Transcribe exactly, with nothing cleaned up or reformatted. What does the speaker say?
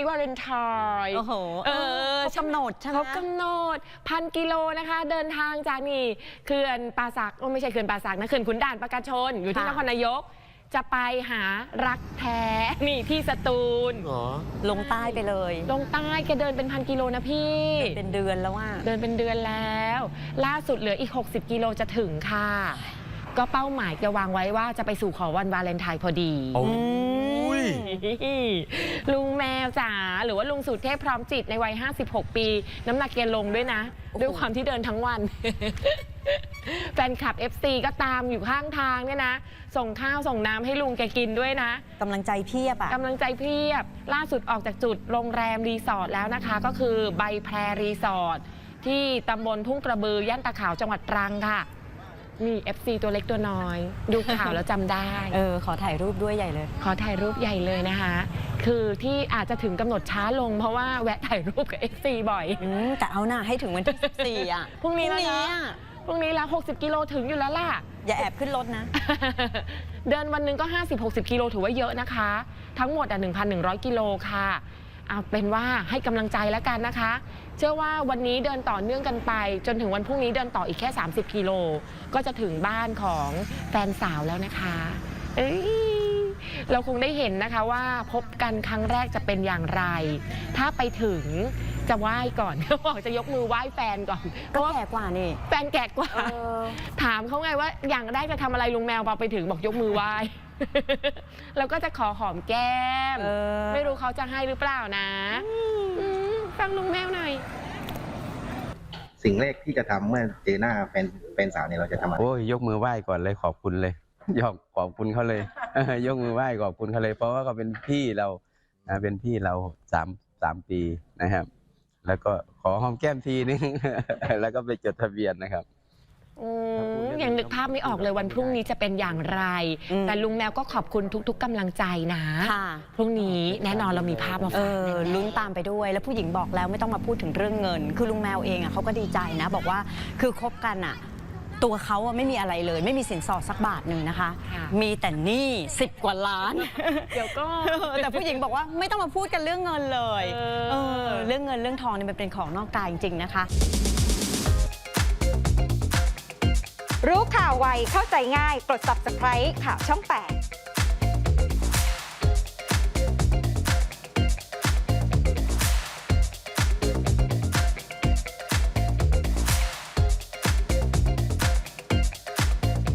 นี้วาเลนไทน์โอ้โหเออครบกำหนดใช่ไหมครบกำหนดพันกิโลนะคะเดินทางจากนี่เขื่อนป่าสักไม่ใช่เขื่อนป่าสักนะเขื่อนขุนด่านปราการชนอยู่ที่นครนายกจะไปหารักแท้นี่ที่สตูลลงใต้ไปเลยลงใต้แกเดินเป็นพันกิโลนะพี่เป็นเดือนแล้วว่าเดินเป็นเดือนแล้วล่าสุดเหลืออีกหกสิบกิโลจะถึงค่ะก็เป้าหมายจะวางไว้ว่าจะไปสู่ขอวันวาเลนไทน์พอดีลุงแมวจ๋าหรือว่าลุงสุเทพพร้อมจิตในวัยห้าสิบหกปีน้ำหนักเกลงด้วยนะด้วยความที่เดินทั้งวันแฟนคลับ เอฟ ซี ก็ตามอยู่ข้างทางเนี่ยนะส่งข้าวส่งน้ำให้ลุงแกกินด้วยนะกำลังใจเพียบอะกำลังใจเพียบล่าสุดออกจากจุดโรงแรมรีสอร์ทแล้วนะคะก็คือใบแพรรีสอร์ทที่ตำบลทุ่งกระบือย่านตะขาวจังหวัดตรังค่ะมี เอฟ ซี ตัวเล็กตัวน้อยดูข่าวแล้วจำได้เออขอถ่ายรูปด้วยใหญ่เลยขอถ่ายรูปใหญ่เลยนะคะคือที่อาจจะถึงกำหนดช้าลงเพราะว่าแวะถ่ายรูปกับ เอฟ ซี บ่อยแต่เอาหน้าให้ถึงวันที่สิบสี่อ่ะพรุ่งนี้แล้วนะพรุ่งนี้แล้วหกสิบกิโลถึงอยู่แล้วล่ะอย่าแอบขึ้นรถนะเดินวันหนึ่งก็ ห้าสิบหกสิบ กิโลถือว่าเยอะนะคะทั้งหมดอ่ะ หนึ่งพันหนึ่งร้อย กิโลค่ะเอาเป็นว่าให้กำลังใจแล้วกันนะคะเชื่อว่าวันนี้เดินต่อเนื่องกันไปจนถึงวันพรุ่งนี้เดินต่ออีกแค่สามสิบกิโลก็จะถึงบ้านของแฟนสาวแล้วนะคะเอ้ยเราคงได้เห็นนะคะว่าพบกันครั้งแรกจะเป็นอย่างไรถ้าไปถึงจะไหว้ก่อนเขาบอกจะยกมือไหว้แฟนก่อนก็แก่กว่านี่แฟนแก่กว่าถามเขาไงว่าอย่างแรกจะทำอะไรลุงแมวพอไปถึงบอกยกมือไหว้แล้วก็จะขอหอมแก้มไม่รู้เขาจะให้หรือเปล่านะฟังลุงแมวหน่อยสิ่งแรกที่จะทำเมื่อเจอหน้าแฟนแฟนสาวเนี่ยเราจะทำอะไรโอ้ยยกมือไหว้ก่อนเลยขอบคุณเลยยกขอบคุณเขาเลยยกมือไหว้ขอบคุณเขาเลยเพราะว่าเขาเป็นพี่เราเป็นพี่เราสามสามปีนะครับแล้วก็ขอหอมแก้มทีนึงแล้วก็ไปจดทะเบียนนะครับยังนึกภาพไม่ออกเลยวันพรุ่งนี้จะเป็นอย่างไรแต่ลุงแมวก็ขอบคุณทุกๆกำลังใจนะพรุ่งนี้แน่นอนเรามีภาพมาฝากลุ้นตามไปด้วยแล้วผู้หญิงบอกแล้วไม่ต้องมาพูดถึงเรื่องเงินคือลุงแมวเองอ่ะเขาก็ดีใจนะบอกว่าคือคบกันอ่ะตัวเขาไม่มีอะไรเลยไม่มีสินสอดสักบาทหนึ่งนะคะมีแต่หนี้สิบกว่าล้านเดี๋ยวก็แต่ผู้หญิงบอกว่าไม่ต้องมาพูดกันเรื่องเงินเลยเออเรื่องเงินเรื่องทองนี่มันเป็นของนอกกายจริงๆนะคะรู้ข่าวไวเข้าใจง่ายกด ซับสไครบ์ ข่าวช่องแปด